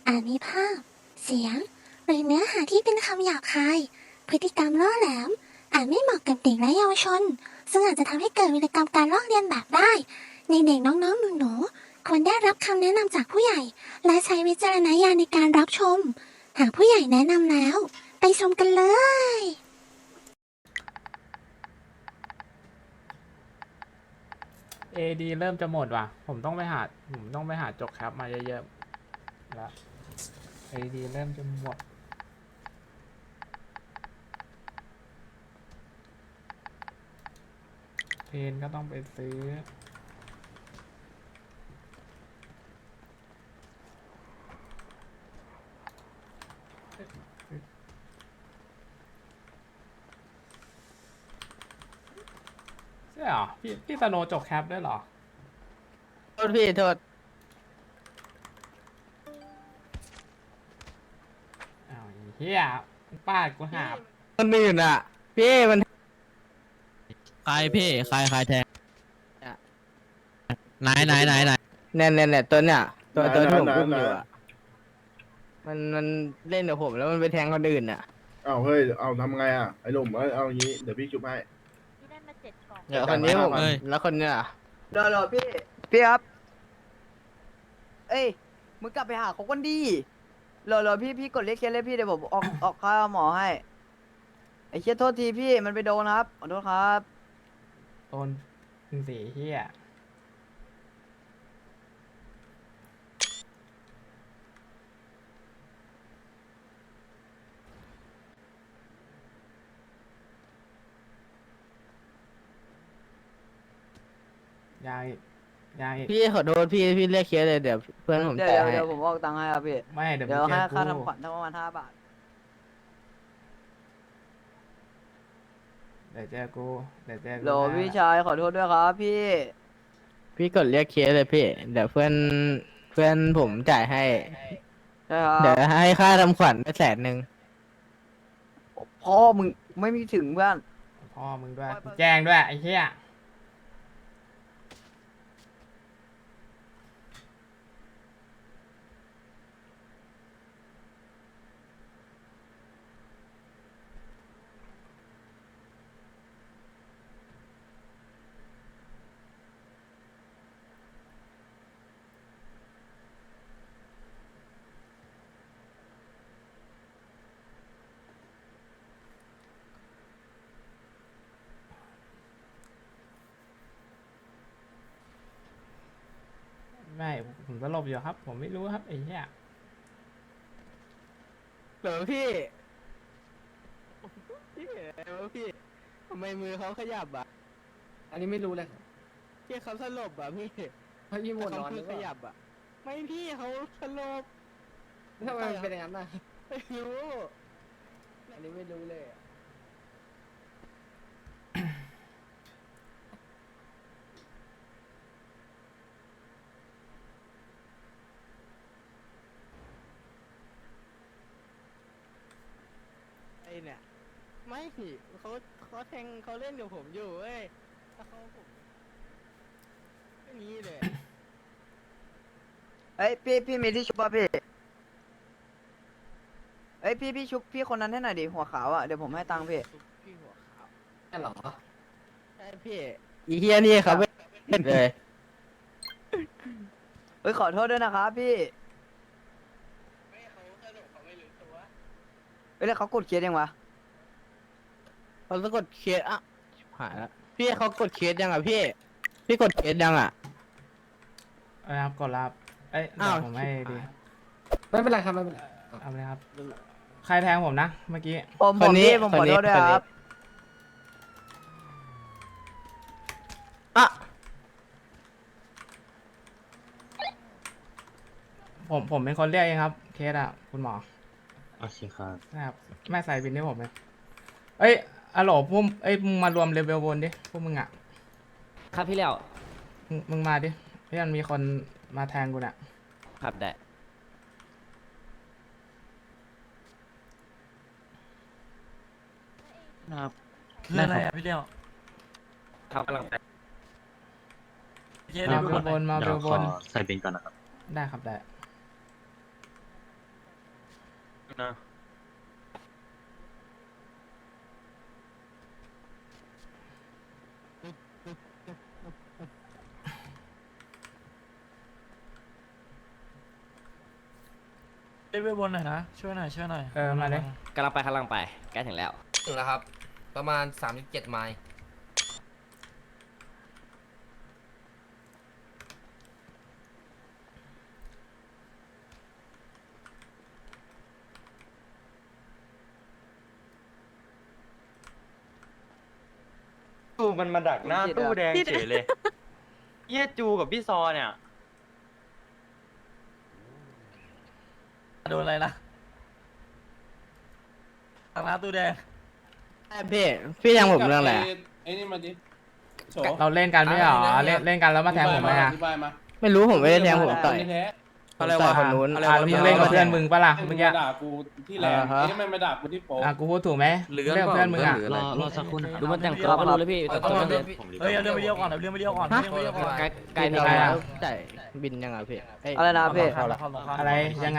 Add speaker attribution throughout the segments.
Speaker 1: อาจมีภาพ เสียง หรือเนื้อหาที่เป็นคำหยาบคาย พฤติกรรมล่อแหลม อาจไม่เหมาะกับเด็กและเยาวชน ซึ่งอาจจะทำให้เกิดวิกรรมการลอกเลียนแบบได้ ในเด็กน้องๆหนูๆควรได้รับคำแนะนำจากผู้ใหญ่ และใช้วิจารณญาณในการรับชม หากผู้ใหญ่แนะนำแล้ว ไปชมกันเลย
Speaker 2: AD เริ่มจะหมดว่ะผมต้องไปหาจกแคปมาเยอะๆแล้ว AD เริ่มจะหมดเพนก็ต้องไปซื้อใช่เหรอพี่สโนว์จกแคปด้วยเหรอ
Speaker 3: โทษพี่โทษ
Speaker 2: อ้าวไอ้เฮียป้าดกูหาบ
Speaker 3: คนอื่นอ่ะพี่มัน
Speaker 4: ใครพี่ใครแทงไหน
Speaker 3: เนี่ยตัวเนี่ยตัวที่ผม
Speaker 5: ไหน
Speaker 3: อุ้ม
Speaker 5: ไหน
Speaker 3: อยู่อ่ะมันเล่นกับผมแล้วมันไปแทงคนอื่นอ่ะ
Speaker 5: เอาเฮ้ย เอาทำไงอ่ะ ไอ้หนุ่มเอาอย่างงี้ เดี๋ยวพี่ชุบให้
Speaker 6: พี่ได้มา7 กล่อง
Speaker 3: เดี๋ยวคนนี้ผม
Speaker 5: เอ้ย
Speaker 3: แล้วคนเนี้ยอะ
Speaker 7: รอพี่ครับ เอ้ยมึงกลับไปหาเขาคนดีรอพี่กดเรียกเคสเลยพี่เดี๋ยวผมออกค่าหมอให้ไอ้เชี่ยโทษทีพี่มันไปโดนครับขอโทษครับ
Speaker 2: โดนถึงสีเฮียยังอีก
Speaker 3: พี่ขอโทษพี่เรียกเคสเลยเดี๋ยวเพื่อนผม
Speaker 7: เดี๋
Speaker 3: จ่าย
Speaker 7: ยว
Speaker 3: ให้
Speaker 7: เดี๋ยวผมออกตังค์ให้ครับพี่
Speaker 2: ไม่เดี๋ยว
Speaker 7: เดี๋ยว
Speaker 2: มึง
Speaker 7: ให้
Speaker 2: เจอ
Speaker 7: ค่า
Speaker 2: กู
Speaker 7: ทำขวัญทั้งประมาณ5 บาท
Speaker 2: เดี๋ยวเจอกูเดี๋ยวเจอกู
Speaker 7: โหล
Speaker 2: นะ
Speaker 7: พี่ชายขอโทษด้วยครับพี่
Speaker 3: พี่กดเรียกเคสเลยพี่เดี๋ยวเพื่อนผมจ่ายให้
Speaker 7: ใช่ครับ
Speaker 3: เดี๋ยวให้ค่าทำขวัญไป100,000
Speaker 7: พ่อมึงไม่มีถึงเพื่อน
Speaker 2: พ่อมึงด้วยแจ้งด้วยไอ้เหี้ยไม่ผมสลบอยู่ครับ ผมไม่รู้ครับไอ้เหี้ย
Speaker 3: เหรอพี่พี่เห็นอะไรวะพี่ทำไมมือเขาขยับอ่ะ
Speaker 8: อันนี้ไม่รู้เลย
Speaker 3: พี่เขาสลบอ่ะพี่
Speaker 8: เพราะยี่หมดนอน
Speaker 3: เขา
Speaker 8: ห
Speaker 3: มื
Speaker 8: รือ อ
Speaker 3: ข
Speaker 8: เปล่า
Speaker 3: ยับอ่ะไม่พี่เขาสลบ
Speaker 8: ทำไมมันเป็นอย่างนั้นน่ะ
Speaker 3: ไม่รู้
Speaker 8: อันนี้ไม่รู้เลยอะ
Speaker 3: ไอเนี่ยไม่เขาแทงเขาเล่นกับผมอยู่เว้ยแล้วเขาผมอย่างนี้เลย
Speaker 7: เอ้ยพี่มีที่ชุบป่ะพี่เอ้ยพี่ชุบพี่คนนั้นให้หน่อยดิหัวขาวอ่ะเดี๋ยวผมให้ตังค์พี่
Speaker 3: พี่หัวขาว
Speaker 8: ใช่เหรอ
Speaker 3: ใช่พี่อีเฮียนี่เขาไม่เล่นเลย
Speaker 7: เฮ้ยขอโทษด้วยนะครับพี่เฮ้ยแล้วเขากดเคสยังวะ
Speaker 3: เขาจะกดเคสอ่ะชิบหายแล้วพี่เขากดเคสยังอ่ะพี่กดเคสยังอ่ะ
Speaker 2: นะครับกดรับเอ้ยเดี๋
Speaker 3: อ้า
Speaker 2: ยว วผมให้ดี
Speaker 8: ไม่เป็นไรครับไม่เป็นไร
Speaker 2: เอาเลยครับ ใครแทงผมนะเมื่อกี้
Speaker 7: ผมขอโทษด้วยครับ
Speaker 3: อ่ะ
Speaker 2: ผมเป็นคนเรียกเองครับ เคสอ่ะคุณหมอ
Speaker 9: โอเคครับ
Speaker 2: นะครับไม่ใส่บินให้ผมเลยเอ้ยอะโหลพวกเอ้ยมึงมารวมเลเวลบนดิพวกมึงอ่ะ
Speaker 8: ครับพี่เลี้ยว
Speaker 2: มึงมาดิพี่มันมีคนมาแทงกูน่ะ
Speaker 8: ครับได้นะครับ
Speaker 4: คืออะไรอ่ะพี่เลี้ยว
Speaker 8: ครับกำลังไป
Speaker 2: มาเบลบนมาเบ
Speaker 9: เดี๋ยว
Speaker 2: ลบ
Speaker 9: ขอน ใส่บินก่อนนะครับ
Speaker 2: ได้ครับได้
Speaker 8: นะ
Speaker 6: เล่นเวทบนหน่อยนะ ช่วยหน่อยช่วยหน่อย
Speaker 2: มาเลย
Speaker 8: กำลังไปใกล้ถึงแล้ว
Speaker 9: ถึงแล้วครับ ประมาณ37ไมล์
Speaker 10: จูมันมาดักหน้าตู้แดงเฉยเลยเยี่ยจูกับพี่ซอเนี่ย
Speaker 6: โดนอะไรนะทางร้านตู้แดง
Speaker 4: พี่ยังผมเรื่องอะไร
Speaker 5: ไอ้นี่มาดิโฉ
Speaker 2: เราเล่นกันไม่ใช่เหรอเล่นกันแล้วมาแทงผมไหมอ่ะ
Speaker 5: อธิบายมา
Speaker 4: ไม่รู้ผมไม่ได้แทงผมต่อย
Speaker 5: แท้
Speaker 4: อะไรวะคนนู้น
Speaker 2: แล้วมึงเล่นกับเพื่อนมึงปะล่ะ
Speaker 5: ไอ้มึ
Speaker 2: เมื่
Speaker 5: ง
Speaker 2: อกี้
Speaker 5: มาด่ากูที่แลนด์ไอ้นี่มันมาด่ากูที่โป๊ะ
Speaker 2: กูพูดถูกไหมเรื่องกับเพื่อนมึงอ่ะ
Speaker 4: รอสักครู่นะครับ
Speaker 8: ดูมันแต่งตัวก็รู้เลยพี่แต่ตัวเดิน
Speaker 6: เฮ้ยเอาเรื่องไปเดียวก่อนเอาเรื่องไปเดียวก่อนเอาเรื่องไปเดียวก่อน
Speaker 8: ใกล้ถึง
Speaker 2: อะไร
Speaker 8: แล้ว
Speaker 2: อ่ะ
Speaker 4: จ่ายบินยังไงพี่
Speaker 7: อะไรนะพี่
Speaker 6: เข้าละเข้าละ
Speaker 2: อะไรยังไง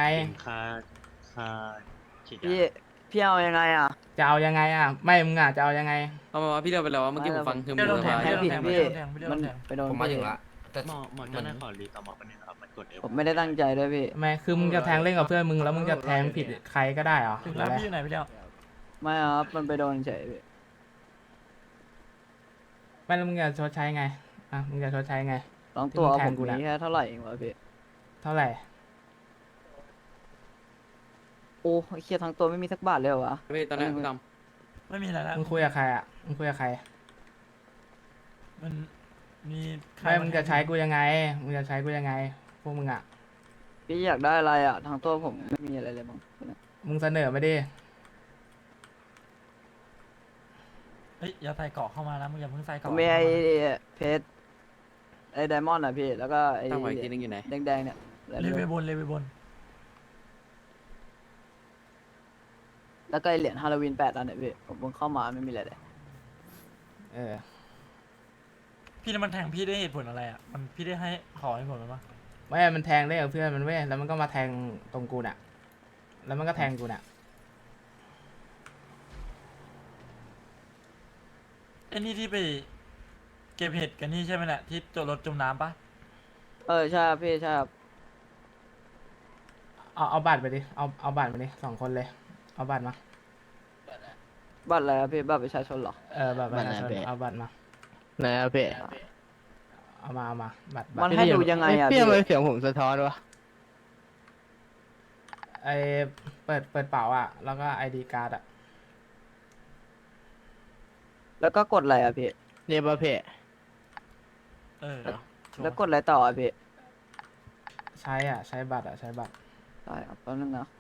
Speaker 7: พี่เอายังไงอ่ะ
Speaker 2: จะเอายังไงอ่ะไม่มึงอ่ะจะเอายังไง
Speaker 10: เอามาพี่เดียวไปแล้วเมื่อกี้ผมฟังคือ
Speaker 6: เดี๋ยวโดนแทง
Speaker 7: ให้
Speaker 6: เดี๋ยวโด
Speaker 7: ผิ
Speaker 6: น
Speaker 7: ด
Speaker 6: แทง
Speaker 7: พี่
Speaker 6: เดี๋ยวโดนแทง
Speaker 7: มันไปโดน
Speaker 9: ผมมาถึ
Speaker 7: พี่
Speaker 9: งละแต่
Speaker 10: หมอจะได้ขอรีต่อหมอคนนึงครับมันกด
Speaker 7: ผมไม่ได้ตั้งใจด้วยพี่
Speaker 2: ไม่คือมึงจะแทงเล่นกับเพื่อนมึงแล้วมึงจะแทงผิดใครก็ได้เหรอ
Speaker 6: ถึงแล้วพี่อยู่ไหนพี่เดียว
Speaker 7: ไม่ครับมันไปโดนเฉยพี่
Speaker 2: ไม่แล้วมึงจะชดใช้ไงอ่ะมึงจะชดใช้ไง
Speaker 7: ลองตัว
Speaker 2: ที่มึงแท
Speaker 7: ผ
Speaker 2: ง
Speaker 7: ม
Speaker 2: กูน่ะ
Speaker 7: มีแค่เท่าไหร่เองวะพี่
Speaker 2: เท่าไหร่
Speaker 7: โอ้เครียดทั้งตัวไม่มีสักบาทเลยเหรอวะ
Speaker 10: พี่ตอนนี้พี่ด
Speaker 6: ไม่มีอะไรแล้ว
Speaker 2: มึงคุยกับใครอ่ะมึงคุยกับใคร
Speaker 6: มันมีใคร
Speaker 2: ไม่มึงจะใช้กูยังไงมึงจะใช้กูยังไงพวกมึงอ่ะ
Speaker 7: พี่อยากได้อะไรอ่ะทั้งตัวผมไม่มีอะไรเลยมั้ง
Speaker 2: มึงเสนอมาดิ
Speaker 6: เฮ้ยอย่าใส่เกาะเข้ามานะมึงอย่าเพิ่งใส่
Speaker 7: ผ
Speaker 6: เกาะ
Speaker 7: มมีไอ้เพชรไอ้ไดมอนด์อ่ะพี่แล้วก็ไอ้
Speaker 10: ำตั้งไว้ทีนึงอยู่ไหน
Speaker 7: แดงๆเนี่ยแล้ว
Speaker 6: เลเวลบนเลเวลบน
Speaker 7: แล้วก็ไอ้เหรียญฮาโลวีน8อันเนี่ยพี่ผมเพิ่งเข้ามาไม่มีอะไรเลย
Speaker 2: เออ
Speaker 6: พี่นั่นมันแทงพี่ได้เหตุผลอะไรอ่ะมันพี่ได้ให้ขอให้ผลมันปะ
Speaker 2: ไม่มันแทงเล่นกับเพื่อนมันเว้ยแล้วมันก็มาแทงตรงกูน่ะ แล้วมันก็แทงกูน่ะ
Speaker 6: ไอ้นี่ที่ไปเก็บเห็ดกันนี่ใช่ไหมเนี่ยที่จมรถจมน้ำปะ
Speaker 7: ใช่ครับพี่ใช่ครับ
Speaker 2: เอาบัตรไปดิเอาบัตรมาดิ2 คนเลยเอาบัตรมา
Speaker 7: บัตรอะไรครับพี่บัตรประชาชนเหรอ
Speaker 2: บัตรประชาชน
Speaker 4: บัตรไหน
Speaker 2: เอาบัตรมา
Speaker 4: ไหนอะพี่
Speaker 2: เอามาบัตร
Speaker 7: มันให้ดูยังไงอ่ะ
Speaker 4: พี่
Speaker 7: พี่
Speaker 4: ทำไมเสียงผมสะท้อนวะ
Speaker 2: ไอเปิดเป๋าอ่ะแล้วก็ไอดีการ์ดอ่ะ
Speaker 7: แล้วก็กดอะไรอ่ะพี่
Speaker 4: เรียบว่าพี่
Speaker 6: เออ
Speaker 7: แล้วกดอะไรต่ออ่ะพี่
Speaker 2: ใช้บัตรอ่ะใช้บัตร
Speaker 7: ได้ครับแป๊บนึงนะ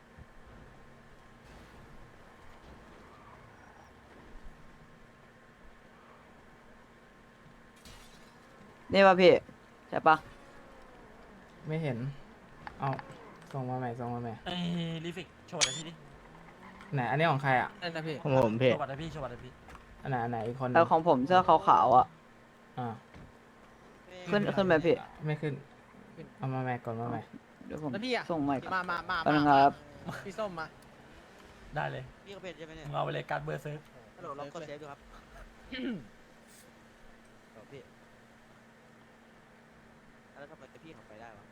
Speaker 7: นี่ป่ะพี่ใช่ปะ
Speaker 2: ไม่เห็นเอาส่งมาใหม่
Speaker 6: ไอ้ลิฟิกโชว์อะไรพี่ดิ
Speaker 2: ไหนอันนี้ของใครอ่ะ
Speaker 10: ได้นะพี่
Speaker 4: ของผมพี่
Speaker 6: โชว์บัตรให้พี่โชว์บัตรให้พี่
Speaker 2: อันไหนอีกคนหนึ่
Speaker 7: เออของผมเสื้อขาวๆอ่ะ
Speaker 2: อ่า
Speaker 7: ขึ้นไปพี่
Speaker 2: ไม่ขึ้นเอามาใหม่ก่อนมาใหม่
Speaker 7: เดี๋ยวผม
Speaker 3: แล้วพี่อะ
Speaker 7: ส่งใหม่
Speaker 3: มา
Speaker 7: แป๊บนึงครับ
Speaker 3: พี่ส้มมา
Speaker 6: ได้เลย
Speaker 3: พี่ก็เป็นใช่ไหมเนี่ย
Speaker 6: มึงเอาไปเลยการดเบอร์เซิร์ฟ
Speaker 3: ฮัลโหลลองกดเซฟดูครับพี่แล้วทำไมพี่เขาไปได้วะ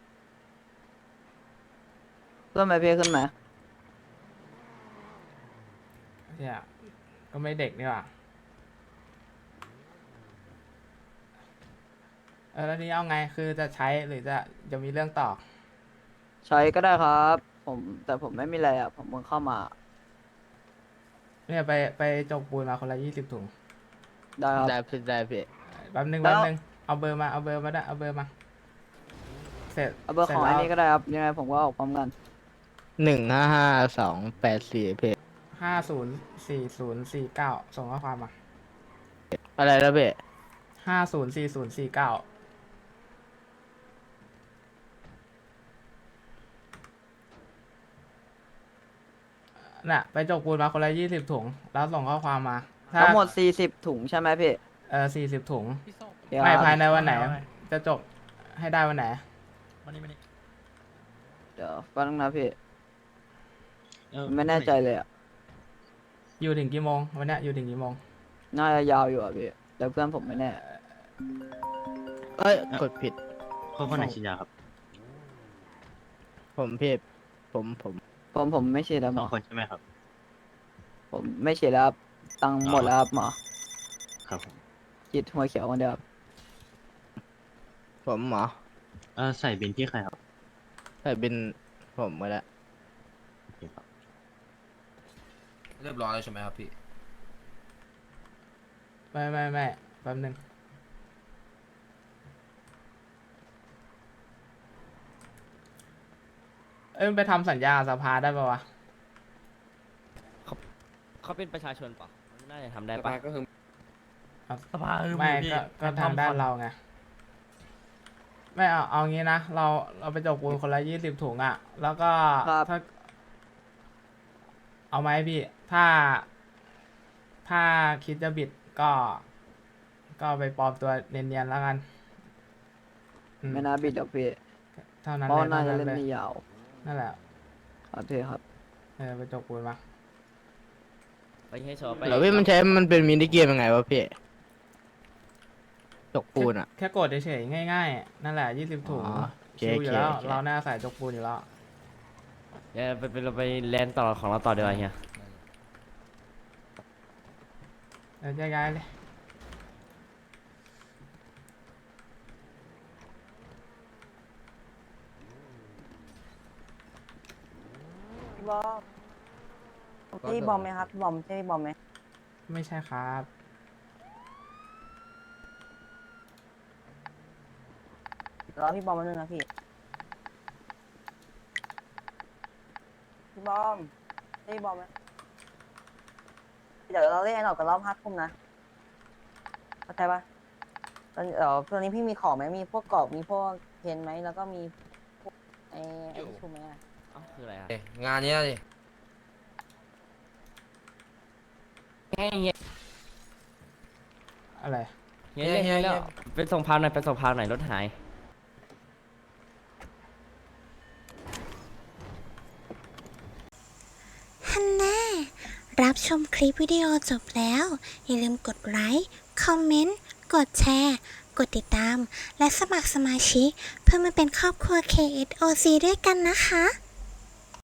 Speaker 7: ขึ้นไหมพี่ขึ้นไหม
Speaker 2: เนี่ยก็ไม่เด็กนี่หว่าแล้วนี้เอาไงคือจะใช้หรือจะมีเรื่องต่อ
Speaker 7: ใช้ก็ได้ครับแต่ผมไม่มีอะไรอ่ะผมเพิ่งเข้ามา
Speaker 2: เนี่ยไปจกปูนมาคนละ20 ถุง
Speaker 7: ได้ครับ
Speaker 4: ได้พี่
Speaker 2: แป๊บนึง
Speaker 7: แล้ว
Speaker 2: เอาเบอร์มาได้เอาเบอร์มาเสร็จ
Speaker 7: เอาเบอร์ของ
Speaker 2: ส
Speaker 7: ไอ้
Speaker 2: จ
Speaker 7: นี้ก็ได้ครับยังไงผมก็ออกพร้อมกัน
Speaker 4: 155284พี่
Speaker 2: 504049ส่งข้อความมา
Speaker 4: อะไรแล้วพี่
Speaker 2: 504049น่ะไปจกปูนมาคนละ20 ถุงแล้วส่งข้อความมาถ้า
Speaker 7: ทั้งหมด40ถุงใช่ไหมพี่
Speaker 2: 40 ถุง
Speaker 6: พี่ส้ม
Speaker 7: เดี๋ยว
Speaker 2: ไม่
Speaker 7: ครับ
Speaker 2: ภายในวันไหน
Speaker 6: เอาไง
Speaker 2: จะจบให้ได้วันไหน
Speaker 6: มานี่
Speaker 7: เดี๋ยวแป๊บนึงนะพี่ไม่แน่ใจเลยอ่ะ
Speaker 2: อยู่ถึงกี่โมงวันเนี้ยอยู่ถึงกี่โมง
Speaker 7: น่าจะยาวอยู่อ่ะพี่แต่เพื่อนผมไม่แน่
Speaker 3: เอ้ยกดผิด
Speaker 4: คนไหนฉีดยาครับ
Speaker 3: ผมผิดผม
Speaker 7: ผมไม่ฉีดแล้วหมอ
Speaker 4: คนใช่ไหมครับ
Speaker 7: ผมไม่ฉีดแล้วครับตังค์หมดแล้วครับหมอ
Speaker 4: ครับผม
Speaker 7: ฉีดหัวเขียวคนเดียวครับ
Speaker 3: ผมหมอ
Speaker 4: ใส่บินที่ใครครับ
Speaker 3: ใส่บินผมมาแล้ว
Speaker 4: โอเคครับ
Speaker 9: เรียบร้อยแล้วใช่ไหมครับพี่
Speaker 2: ไม่แป๊บนึงมันไปทำสัญญาสภาได้ปะวะ
Speaker 8: เขาเป็นประชาชนเปล่ะน่าจะทำได้ปะ
Speaker 6: สภาคือ
Speaker 2: ไม่
Speaker 6: พี่
Speaker 2: ก็ทำด้านเราไงไม่เอางี้นะเราไปจกปูนคนละ20 ถุงอ่ะ แล้วก็
Speaker 7: ครับ
Speaker 2: ถ้า เอาไหมพี่ ถ้าคิดจะบิดก็ไปปลอมตัวเนียนๆแล้วกันอืม
Speaker 7: ไม่น่าบิดหรอกพี่
Speaker 2: เท่านั้น
Speaker 7: เพราะ
Speaker 2: เลย
Speaker 7: น่าจะ
Speaker 2: เท่า
Speaker 7: เล่น
Speaker 2: นั้นเลย
Speaker 7: ไม่ยาว
Speaker 2: นั่นแหละ
Speaker 7: ครับพี่ครับ
Speaker 2: ไปจกปูนมา
Speaker 8: ไปให้โชว์ไป
Speaker 3: แล้วพี่มันเป็นมินิเกมยังไงวะพี่จกปูนอ่ะ
Speaker 2: แค่กดเฉยๆง่ายๆ นั่นแหละ20 ถุง
Speaker 3: อ๋อโอเค
Speaker 2: ชิวอยู่แล้ว
Speaker 3: โอเค
Speaker 2: เราหน้าใส่จกปูนอยู่แล้ว
Speaker 8: เดี๋ยวเราไปแลนด์ต่อของเราต่อดีกว่าเฮีย
Speaker 2: เดี๋ยวแยกย้ายเลย
Speaker 7: พี่บอมพี่บอมไหมครับพี่บอมใช่พี่บอมไหม
Speaker 2: ไม่ใช่ครับ
Speaker 7: รอพี่บอมมาหนึ่งนะพี่บอมใช่พี่บอมไหมเดี๋ยวเราเล่นออกกันรอบ5 ทุ่มนะเข้าใจปะตอนนี้พี่มีของไหมมีพวกกรอบมีพวกเพนไหมแล้วก็มีพวกไอ้ชูไหมอะ
Speaker 8: เอ้าคืออะไรอ่ะ
Speaker 9: งานเนี้ยดิ
Speaker 8: เฮีย
Speaker 2: อะไร
Speaker 8: เฮียเฮียเป็นส่งพาวหน่อยเป็นส่งพาวหน่อยรถหาย
Speaker 1: ฮันน่ารับชมคลิปวิดีโอจบแล้ว อย่าลืมกดไลค์ คอมเมนต์ กดแชร์ กดติดตาม และสมัครสมาชิกเพื่อมาเป็นครอบครัว KSOC ด้วยกันนะคะ